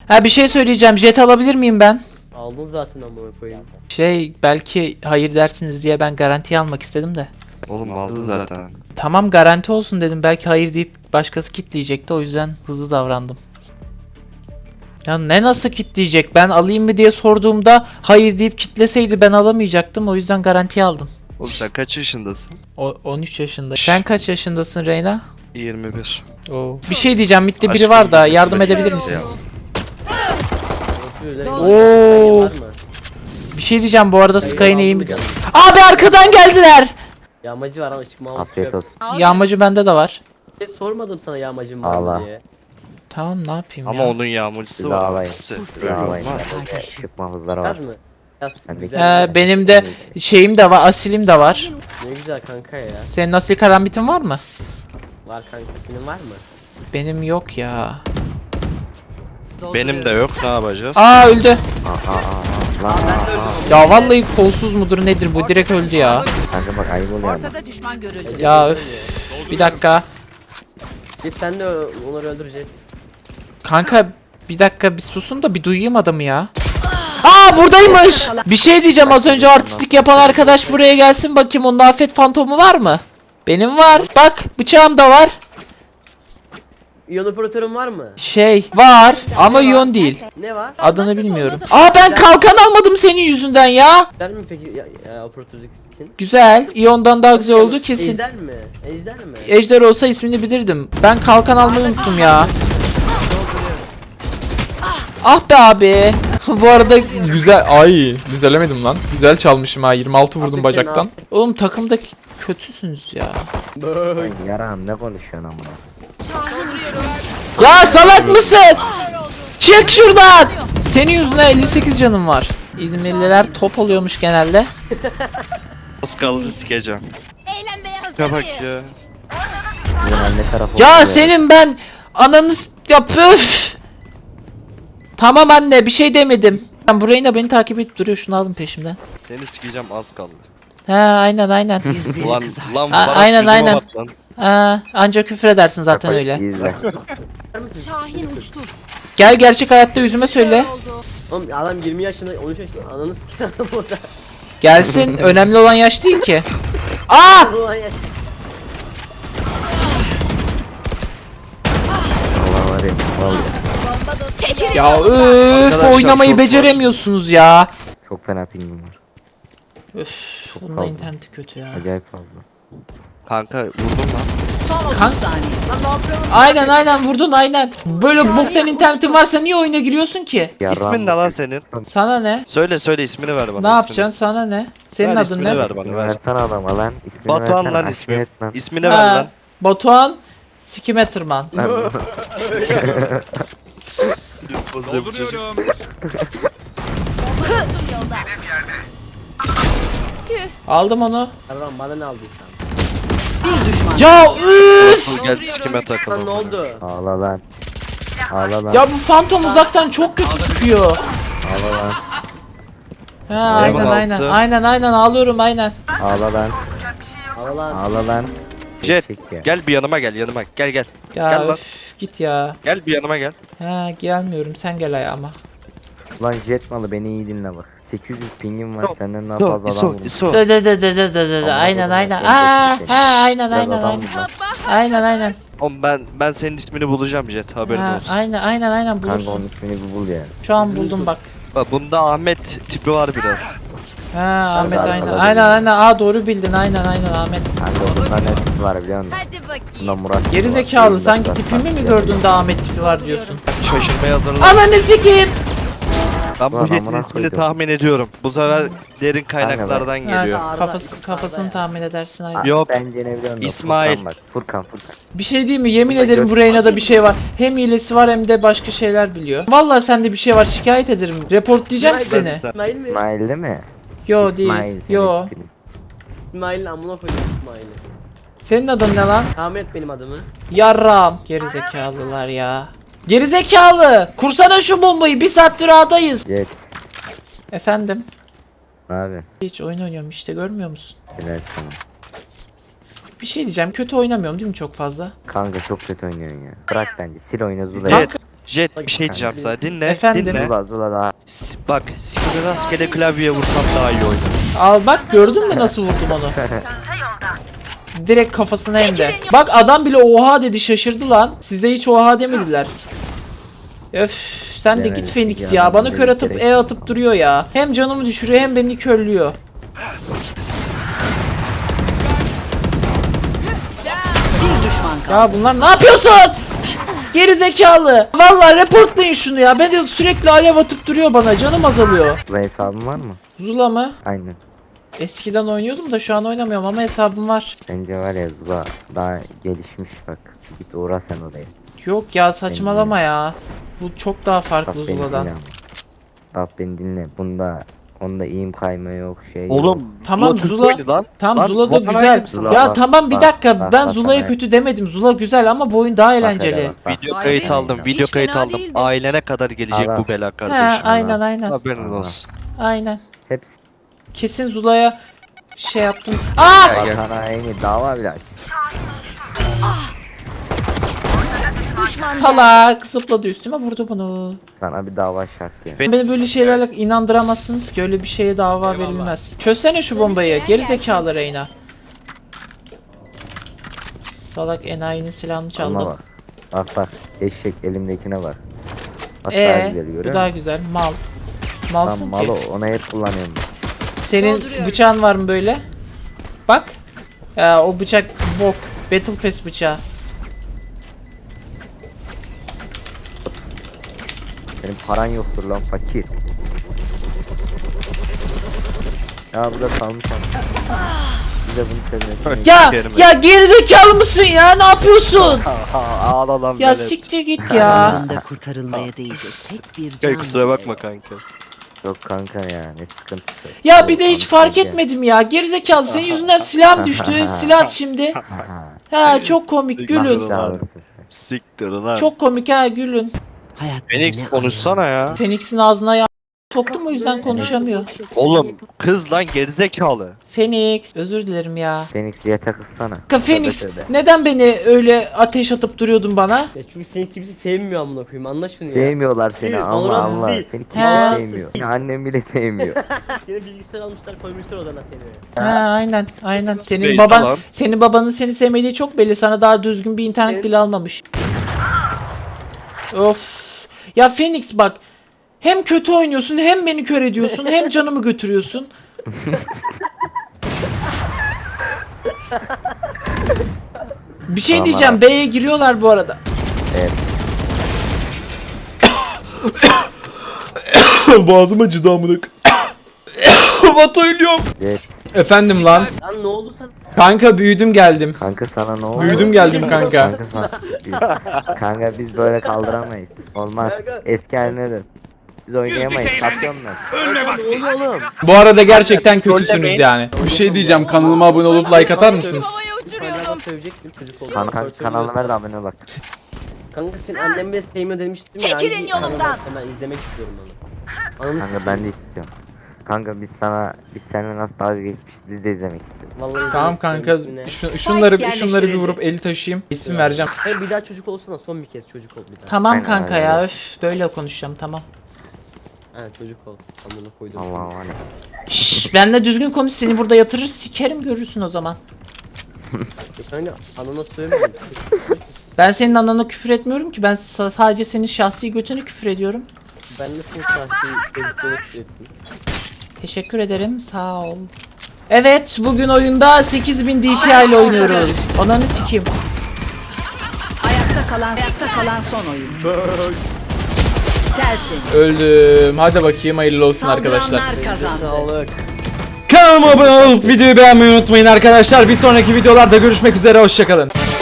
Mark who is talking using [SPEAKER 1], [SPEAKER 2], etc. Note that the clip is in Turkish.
[SPEAKER 1] Ha bir şey söyleyeceğim. Jet alabilir miyim ben?
[SPEAKER 2] Aldın zaten amına koyayım.
[SPEAKER 1] Belki hayır dersiniz diye ben garanti almak istedim de.
[SPEAKER 3] Oğlum aldın zaten.
[SPEAKER 1] Tamam garanti olsun dedim. Belki hayır deyip başkası kitleyecekti. O yüzden hızlı davrandım. Ya ne nasıl kitleyecek? Ben alayım mı diye sorduğumda hayır deyip kitleseydi ben alamayacaktım. O yüzden garanti aldım.
[SPEAKER 3] Oğlum sen kaç yaşındasın?
[SPEAKER 1] 13 yaşında. Sen kaç yaşındasın Reyna?
[SPEAKER 3] 21.
[SPEAKER 1] Oo. Bir şey diyeceğim. Mitte biri
[SPEAKER 3] Aşkım
[SPEAKER 1] var da
[SPEAKER 3] lisesi
[SPEAKER 1] yardım edebilir
[SPEAKER 3] bekliyoruz
[SPEAKER 1] misiniz?
[SPEAKER 3] ya.
[SPEAKER 1] Oo.
[SPEAKER 2] Var mı?
[SPEAKER 1] Bir şey diyeceğim bu arada
[SPEAKER 2] Hayır,
[SPEAKER 1] Sky'ın
[SPEAKER 2] aldım
[SPEAKER 1] eğimi.
[SPEAKER 2] mı canım?
[SPEAKER 1] Abi arkadan geldiler.
[SPEAKER 2] Yağmacı var ama çıkma almış.
[SPEAKER 4] Afiyet olsun.
[SPEAKER 1] Yağmacı bende de var.
[SPEAKER 2] Sormadım sana yağmacım var
[SPEAKER 4] Allah.
[SPEAKER 2] mı diye.
[SPEAKER 1] Tamam ne yapayım
[SPEAKER 3] Ama
[SPEAKER 1] ya.
[SPEAKER 3] onun yağmurcusu
[SPEAKER 4] Siz
[SPEAKER 3] var.
[SPEAKER 4] ağlayın.
[SPEAKER 3] Pisi. Öyle
[SPEAKER 4] Ağlayın.
[SPEAKER 3] olmaz.
[SPEAKER 4] Bende Çıkma hızları var.
[SPEAKER 2] Yaz mı? Yaz.
[SPEAKER 4] Ben de-
[SPEAKER 2] Güzel.
[SPEAKER 1] Benim de şeyim de var, asilim de var.
[SPEAKER 2] Ne güzel kanka ya.
[SPEAKER 1] Senin asil karambitin var mı?
[SPEAKER 2] Var kanka, senin var mı?
[SPEAKER 1] Benim yok ya.
[SPEAKER 3] Benim de yok, ne yapacağız?
[SPEAKER 1] Aa öldü.
[SPEAKER 4] Lan
[SPEAKER 1] Ya vallahi kolsuz mudur nedir bu direkt öldü ya.
[SPEAKER 4] kanka bak ayıp oluyor ama.
[SPEAKER 5] Ortada düşman görüldü.
[SPEAKER 1] Ya öf. Bir dakika.
[SPEAKER 2] Git sen de onları öldürecek.
[SPEAKER 1] Kanka bir dakika bir susun da bir duyayım adamı ya. Aa buradaymış. Bir şey diyeceğim az önce artistlik yapan arkadaş buraya gelsin bakayım onun afet fantomu var mı? Benim var. Bak bıçağım da var.
[SPEAKER 2] İyon operatörün var mı?
[SPEAKER 1] Var ama iyon değil.
[SPEAKER 2] Ne var?
[SPEAKER 1] Adını bilmiyorum. Aa ben kalkan almadım senin yüzünden ya.
[SPEAKER 2] Güzel mi peki ya operatördeki skin?
[SPEAKER 1] Güzel. İyon'dan daha güzel oldu kesin.
[SPEAKER 2] Ejder mi? Ejder mi?
[SPEAKER 1] Ejder olsa ismini bilirdim. Ben kalkan almayı unuttum ya. Ah be abi. Bu arada güzel. Ay düzelemedim lan. Güzel çalmışım ha. 26 vurdum
[SPEAKER 2] Abi
[SPEAKER 1] bacaktan.
[SPEAKER 2] sen
[SPEAKER 1] Oğlum takımda kötüsünüz ya.
[SPEAKER 2] Böööö.
[SPEAKER 4] Yaram ne konuşuyorsun ama.
[SPEAKER 1] Ya salak mısın? Çık şuradan. Senin yüzünden 58 canım var. İzmirliler top oluyormuş genelde.
[SPEAKER 3] Az kaldı sikeceğim.
[SPEAKER 5] Eğlenmeye hazır
[SPEAKER 3] Ya bak
[SPEAKER 5] mıyız?
[SPEAKER 3] ya.
[SPEAKER 4] Bizim anne tarafı
[SPEAKER 1] Ya
[SPEAKER 4] oluyor.
[SPEAKER 1] senin ben ananı ya püf. Tamam anne bir şey demedim. Ben burayı da beni takip edip duruyor şunu aldım peşimden.
[SPEAKER 3] Seni sikeceğim, az kaldı.
[SPEAKER 1] He aynen aynen.
[SPEAKER 3] Lan lan
[SPEAKER 1] A-
[SPEAKER 3] Faruk
[SPEAKER 1] aynen,
[SPEAKER 3] yüzüme
[SPEAKER 1] aynen.
[SPEAKER 3] bak lan.
[SPEAKER 1] Ha, ancak küfür edersin zaten
[SPEAKER 4] Bak,
[SPEAKER 1] öyle.
[SPEAKER 4] izle.
[SPEAKER 5] Şahin uçtu.
[SPEAKER 1] Gel gerçek hayatta yüzüme söyle.
[SPEAKER 5] Oldu.
[SPEAKER 2] Oğlum adam 20 yaşında 13 yaşında ananı sikiyor adam orada.
[SPEAKER 1] Gelsin önemli olan yaş değil ki. Aa!
[SPEAKER 2] Ulan ya.
[SPEAKER 4] Allah var ya. Vallahi.
[SPEAKER 5] Çekilin.
[SPEAKER 1] Ya
[SPEAKER 3] Arkadaşlar,
[SPEAKER 1] oynamayı
[SPEAKER 3] short var.
[SPEAKER 1] beceremiyorsunuz ya.
[SPEAKER 4] Çok fena pingim var.
[SPEAKER 1] Öf,
[SPEAKER 4] Çok
[SPEAKER 1] bunun da
[SPEAKER 4] fazla.
[SPEAKER 1] interneti kötü ya.
[SPEAKER 4] Acayip fazla.
[SPEAKER 3] Kanka vurdum lan.
[SPEAKER 5] Son 30
[SPEAKER 1] Kank-
[SPEAKER 5] saniye.
[SPEAKER 1] Aynen vurdun aynen. Böyle boktan internetin varsa niye oyuna giriyorsun ki?
[SPEAKER 4] Yaram.
[SPEAKER 3] İsmin ne lan senin?
[SPEAKER 1] Sana ne?
[SPEAKER 3] Söyle ismini ver bana.
[SPEAKER 1] Ne
[SPEAKER 3] ismini.
[SPEAKER 1] yapacaksın sana ne? Senin
[SPEAKER 3] Ver
[SPEAKER 1] adın
[SPEAKER 3] ismini
[SPEAKER 1] ne?
[SPEAKER 3] ver.
[SPEAKER 4] İsmini
[SPEAKER 3] ver.
[SPEAKER 4] versene adama lan. İsmini
[SPEAKER 3] Batuhan
[SPEAKER 4] versene,
[SPEAKER 3] lan
[SPEAKER 4] aşkım
[SPEAKER 3] ismi.
[SPEAKER 4] et lan.
[SPEAKER 3] İsmini ver lan.
[SPEAKER 1] Batuhan Sikimetrman.
[SPEAKER 3] Sinir bozucu bu çocuk.
[SPEAKER 1] Aldım onu.
[SPEAKER 2] Erman bana ne aldıysan.
[SPEAKER 5] Bir düşman.
[SPEAKER 1] Ya üf!
[SPEAKER 3] Dur gel sikime
[SPEAKER 2] Lan
[SPEAKER 3] takalım.
[SPEAKER 2] ne oldu?
[SPEAKER 4] Ağla lan. Ağla lan.
[SPEAKER 1] Ya bu fantom uzaktan çok kötü sıkıyor.
[SPEAKER 4] Ağla lan.
[SPEAKER 1] Ha aynen
[SPEAKER 3] Level
[SPEAKER 1] aynen.
[SPEAKER 3] altı.
[SPEAKER 1] Aynen ağlıyorum aynen.
[SPEAKER 4] Ağla lan.
[SPEAKER 2] Al lan.
[SPEAKER 4] Ağla lan.
[SPEAKER 3] Jet
[SPEAKER 4] Eşek ya.
[SPEAKER 3] gel bir yanıma gel yanıma. Gel.
[SPEAKER 1] Ya
[SPEAKER 3] Gel lan.
[SPEAKER 1] üf, git ya.
[SPEAKER 3] Gel bir yanıma gel.
[SPEAKER 1] Ha gelmiyorum sen gel ayağıma.
[SPEAKER 4] Lan jet malı beni iyi dinle bak. 800 pingim var
[SPEAKER 3] Yok,
[SPEAKER 4] senden daha
[SPEAKER 3] İso,
[SPEAKER 4] fazla adam
[SPEAKER 3] İso,
[SPEAKER 4] vurmuş.
[SPEAKER 3] İso.
[SPEAKER 1] De. Aynen aynen. Aa, ha aynen
[SPEAKER 4] Biraz
[SPEAKER 1] aynen
[SPEAKER 4] adam
[SPEAKER 1] aynen.
[SPEAKER 4] vur lan.
[SPEAKER 1] Aynen.
[SPEAKER 3] Oğlum ben senin ismini bulacağım Jet, haberin
[SPEAKER 1] Ha,
[SPEAKER 3] olsun.
[SPEAKER 1] aynen
[SPEAKER 4] Kanka onun
[SPEAKER 1] bulursun.
[SPEAKER 4] ismini bir bul ya.
[SPEAKER 1] Şu an buldum bak.
[SPEAKER 3] Bak bunda Ahmet tipi var biraz.
[SPEAKER 1] Ha Ahmet
[SPEAKER 4] Zaten
[SPEAKER 1] aynen.
[SPEAKER 4] alabilirim.
[SPEAKER 1] Aynen. Aa doğru bildin aynen Ahmet.
[SPEAKER 4] Kanka bunda ne tipi var biliyor musun?
[SPEAKER 5] Hadi
[SPEAKER 4] Bunda
[SPEAKER 5] bakayım.
[SPEAKER 4] Murat tipi
[SPEAKER 1] Geri
[SPEAKER 4] var.
[SPEAKER 1] zekalı
[SPEAKER 4] Bunda
[SPEAKER 1] sanki
[SPEAKER 4] Murat
[SPEAKER 1] tipimi mi
[SPEAKER 4] var.
[SPEAKER 1] gördün de Ahmet tipi var diyorsun.
[SPEAKER 3] Şaşırmaya hazırlan.
[SPEAKER 1] Ananı sikeyim.
[SPEAKER 3] Ben bu
[SPEAKER 4] Ulan
[SPEAKER 3] Jet'in
[SPEAKER 4] amına
[SPEAKER 3] ismini
[SPEAKER 4] koydum.
[SPEAKER 3] tahmin ediyorum. Bu sefer derin kaynaklardan geliyor.
[SPEAKER 1] Ha, kafasını tahmin edersin aynen.
[SPEAKER 3] Yok.
[SPEAKER 4] Bence ne biliyor musun?
[SPEAKER 3] İsmail.
[SPEAKER 4] Furkan bak. Furkan.
[SPEAKER 1] Bir şey değil mi? Yemin ederim bu Reyna'da bir şey var. Hem hilesi var hem de başka şeyler biliyor. Vallahi sende bir şey var. Şikayet ederim. Reportlayacağım
[SPEAKER 2] İsmail,
[SPEAKER 1] seni.
[SPEAKER 2] İsmail mi?
[SPEAKER 4] İsmail değil mi?
[SPEAKER 1] Yo
[SPEAKER 4] İsmail
[SPEAKER 1] değil.
[SPEAKER 4] senin
[SPEAKER 1] Yo.
[SPEAKER 4] tipin.
[SPEAKER 2] İsmail'in amına koydum İsmail'i.
[SPEAKER 1] Senin adın ne lan?
[SPEAKER 2] Tahmin et benim adımı.
[SPEAKER 1] Yarram. Gerizekalılar ya. Gerizekalı. Kursana şu bombayı. Bir saattir ağdayız.
[SPEAKER 4] Jet.
[SPEAKER 1] Efendim.
[SPEAKER 4] Ne yapıyorsun?
[SPEAKER 1] Hiç oyun oynuyorum işte görmüyor musun?
[SPEAKER 4] Helal sana.
[SPEAKER 1] Bir şey diyeceğim. Kötü oynamıyorum değil mi çok fazla?
[SPEAKER 4] Kanka çok kötü oynuyorsun ya. Bırak bence. Sil oyna Zula.
[SPEAKER 3] Jet Jet bir şey diyeceğim sana. Dinle.
[SPEAKER 1] Efendim?
[SPEAKER 3] Dinle.
[SPEAKER 4] Zula daha.
[SPEAKER 3] Bak sikimi rastgele klavyeye vursam daha iyi oynar.
[SPEAKER 1] Al bak, gördün mü nasıl vurdum onu? Direkt kafasına hem de. Bak adam bile oha dedi, şaşırdı lan. Size hiç oha demediler. Öf, sen de
[SPEAKER 4] Demedik
[SPEAKER 1] git Phoenix
[SPEAKER 4] ya,
[SPEAKER 1] ya. Bana
[SPEAKER 4] demedik,
[SPEAKER 1] kör atıp
[SPEAKER 4] gerek
[SPEAKER 1] E
[SPEAKER 4] yok.
[SPEAKER 1] atıp duruyor ya. Hem canımı düşürüyor hem beni körlüyor.
[SPEAKER 5] Bir düşman kaldı.
[SPEAKER 1] Ya bunlar ne yapıyorsun? Geri zekalı. Vallahi reportlayın şunu ya. Ben de sürekli alev atıp duruyor bana. Canım azalıyor.
[SPEAKER 4] Zula hesabın var mı?
[SPEAKER 1] Zula mı?
[SPEAKER 4] Aynen.
[SPEAKER 1] Eskiden oynuyordum da şu an oynamıyorum ama hesabım var.
[SPEAKER 4] Bence var ya Zula daha gelişmiş bak. Git uğra sen oraya.
[SPEAKER 1] Yok ya, saçmalama ya. Bu çok daha
[SPEAKER 4] Bak
[SPEAKER 1] farklı
[SPEAKER 4] beni
[SPEAKER 1] Zula'dan.
[SPEAKER 4] dinle ama. Bak beni dinle. Onda iyim kayma yok şey yok.
[SPEAKER 3] Oğlum
[SPEAKER 1] Tamam,
[SPEAKER 3] Türk
[SPEAKER 1] Zula-
[SPEAKER 3] oyunu lan.
[SPEAKER 1] Tam
[SPEAKER 3] Lan,
[SPEAKER 1] Zula da
[SPEAKER 3] vatan
[SPEAKER 1] güzel.
[SPEAKER 3] haini misin lan?
[SPEAKER 1] Ya
[SPEAKER 4] Bak,
[SPEAKER 1] tamam bir
[SPEAKER 4] bak,
[SPEAKER 1] dakika.
[SPEAKER 4] bak,
[SPEAKER 1] Ben
[SPEAKER 4] bak,
[SPEAKER 1] Zula'yı
[SPEAKER 4] bak.
[SPEAKER 1] kötü demedim. Zula güzel ama bu oyun daha
[SPEAKER 4] Bak hele
[SPEAKER 1] eğlenceli.
[SPEAKER 4] bak, bak.
[SPEAKER 3] Video
[SPEAKER 5] Vay
[SPEAKER 3] kayıt
[SPEAKER 5] be.
[SPEAKER 3] aldım. Video
[SPEAKER 5] Hiç
[SPEAKER 3] kayıt
[SPEAKER 5] fena
[SPEAKER 3] aldım.
[SPEAKER 5] değildi.
[SPEAKER 3] Ailene kadar gelecek
[SPEAKER 4] Allah.
[SPEAKER 3] bu bela
[SPEAKER 1] He,
[SPEAKER 3] kardeşim.
[SPEAKER 1] aynen aynen.
[SPEAKER 3] Haberin
[SPEAKER 4] Allah.
[SPEAKER 3] olsun.
[SPEAKER 1] Aynen.
[SPEAKER 4] Hepsi
[SPEAKER 1] Kesin Zula'ya şey yaptım. Aa!
[SPEAKER 4] vatan haini dava bile aç.
[SPEAKER 5] Düşman
[SPEAKER 1] Salak zıpladı üstüme, vurdu bunu.
[SPEAKER 4] Sana bir dava şart ya.
[SPEAKER 1] Beni böyle şeylerle inandıramazsınız ki, öyle bir şeye dava verilmez. Çözsene şu bombayı. Geri zekalı Reyna. Salak enayinin silahını
[SPEAKER 4] Ama
[SPEAKER 1] çaldım.
[SPEAKER 4] bak. Bak bak. Eşek elimdekine bak. Bak daha güzel
[SPEAKER 1] Bu
[SPEAKER 4] görüyor
[SPEAKER 1] daha
[SPEAKER 4] musun?
[SPEAKER 1] güzel. Mal. Malsın
[SPEAKER 4] Tam
[SPEAKER 1] ki.
[SPEAKER 4] malo onu hep kullanıyorum.
[SPEAKER 1] Senin
[SPEAKER 5] Dolduruyorum.
[SPEAKER 1] bıçağın var mı böyle? Bak. Ya, o bıçak bok. Battle Pass bıçağı.
[SPEAKER 4] Senin paran yoktur lan fakir. Ya bu da salmış ama. Bize bunu çözmesini.
[SPEAKER 1] Ya
[SPEAKER 3] Sikerim ben.
[SPEAKER 1] ya gerizekalı mısın ya? Ne yapıyorsun?
[SPEAKER 3] Ağla lan
[SPEAKER 1] Ya
[SPEAKER 3] velet.
[SPEAKER 1] siktir git ya.
[SPEAKER 5] Yanında kurtarılmaya değecek tek bir can.
[SPEAKER 3] Kusura bakma kanka.
[SPEAKER 4] Yok kanka ya ne sıkıntısı.
[SPEAKER 1] Ya bir de hiç
[SPEAKER 4] Kanka
[SPEAKER 1] fark
[SPEAKER 4] ya.
[SPEAKER 1] etmedim ya. Gerizekalı, senin yüzünden silahım düştü. Silah şimdi. Ha, çok komik, gülün.
[SPEAKER 4] Mahsul alırsın sen.
[SPEAKER 3] Siktir lan.
[SPEAKER 1] Çok komik ha, gülün.
[SPEAKER 5] Hayat
[SPEAKER 3] Phoenix
[SPEAKER 5] ne
[SPEAKER 3] konuşsana ya.
[SPEAKER 1] Phoenix'in ağzına ya soktum, o yüzden konuşamıyor.
[SPEAKER 3] Oğlum kız lan gerizekalı.
[SPEAKER 1] Phoenix, özür dilerim ya.
[SPEAKER 4] Phoenix yete kızsana.
[SPEAKER 1] Kanka Phoenix,
[SPEAKER 4] Tövbe tövbe.
[SPEAKER 1] neden beni öyle ateş atıp duruyordun bana?
[SPEAKER 2] Ya çünkü seni kimse sevmiyor amına koyayım. Anla şunu ya.
[SPEAKER 4] Sevmiyorlar seni
[SPEAKER 2] Siz,
[SPEAKER 4] Allah
[SPEAKER 2] Valorant
[SPEAKER 4] Allah.
[SPEAKER 2] siz.
[SPEAKER 4] Seni
[SPEAKER 1] He.
[SPEAKER 4] kimse sevmiyor. Seni annem bile sevmiyor.
[SPEAKER 2] Seni bilgisayar almışlar, koymuşlar odana seni.
[SPEAKER 1] Ha, aynen aynen. Senin
[SPEAKER 3] Space
[SPEAKER 1] baban
[SPEAKER 3] alan.
[SPEAKER 1] senin babanın seni sevmediği çok belli. Sana daha düzgün bir internet bile almamış. Of. Ya Phoenix bak. Hem kötü oynuyorsun, hem beni kör ediyorsun, hem canımı götürüyorsun. Bir şey
[SPEAKER 4] Tamam
[SPEAKER 1] diyeceğim.
[SPEAKER 4] abi.
[SPEAKER 1] B'ye giriyorlar bu arada.
[SPEAKER 4] Evet.
[SPEAKER 1] Boğazım acıdı amına. Batu ölüyorum.
[SPEAKER 4] Evet.
[SPEAKER 1] Efendim lan.
[SPEAKER 2] Lan ne oldu sana?
[SPEAKER 1] Kanka büyüdüm geldim.
[SPEAKER 4] Kanka sana ne oldu?
[SPEAKER 1] Büyüdüm geldim kanka.
[SPEAKER 4] Kanka sana. Kanka biz böyle kaldıramayız. Olmaz. Eski haline dön. Biz oynayamayız. Satıyorum ben.
[SPEAKER 2] Ne oluyor oğlum?
[SPEAKER 1] Bu arada gerçekten kötüsünüz yani. Bir şey diyeceğim. Kanalıma abone olup like atar mısınız?
[SPEAKER 5] Havaya
[SPEAKER 2] Ben
[SPEAKER 5] uçuruyorum.
[SPEAKER 2] sövecektim çocuk oldu.
[SPEAKER 4] Kanalına ver de abone bak.
[SPEAKER 2] Kanka senin annen bile sevmiyor demiştim ya.
[SPEAKER 5] Çekilin
[SPEAKER 2] hangi
[SPEAKER 5] yolumdan.
[SPEAKER 2] kanal açacağım? Ben izlemek istiyorum onu. Ananı
[SPEAKER 4] Kanka ben de istiyorum. Kanka biz seninle nasıl dalga geçmişiz biz de izlemek istiyoruz.
[SPEAKER 2] Vallahi
[SPEAKER 1] Tamam
[SPEAKER 2] izlemek
[SPEAKER 1] kanka,
[SPEAKER 2] istiyorum ismini.
[SPEAKER 1] şunları bir
[SPEAKER 5] yerleştirildi.
[SPEAKER 1] vurup eli taşıyayım. İsim vereceğim.
[SPEAKER 2] Hayır bir daha çocuk olsana, son bir kez çocuk ol bir daha.
[SPEAKER 1] Tamam
[SPEAKER 4] Aynen,
[SPEAKER 1] kanka
[SPEAKER 4] aynen.
[SPEAKER 1] ya, öf, böyle konuşacağım, tamam.
[SPEAKER 2] Ha çocuk ol. Amına koydum.
[SPEAKER 4] Allah Allah.
[SPEAKER 1] Şşş, benle düzgün konuş, seni burada yatırır sikerim, görürsün o zaman.
[SPEAKER 2] Kanka anana söylemedim.
[SPEAKER 1] Ben senin anana küfür etmiyorum ki, ben sadece senin şahsi götünü küfür ediyorum.
[SPEAKER 2] Ben de son şahsi çocukluğunu ettim.
[SPEAKER 1] Teşekkür ederim, sağ ol. Evet, bugün oyunda 8000 DPI ile oynuyoruz. Ananı sikeyim.
[SPEAKER 5] Ayakta kalan son oyun. Gelsin.
[SPEAKER 1] Öldüm. Hadi bakayım, hayırlı olsun arkadaşlar.
[SPEAKER 5] Saldıranlar kazandı.
[SPEAKER 2] Sağlık.
[SPEAKER 1] Kanalıma abone olup videoyu beğenmeyi unutmayın arkadaşlar. Bir sonraki videolarda görüşmek üzere, hoşçakalın.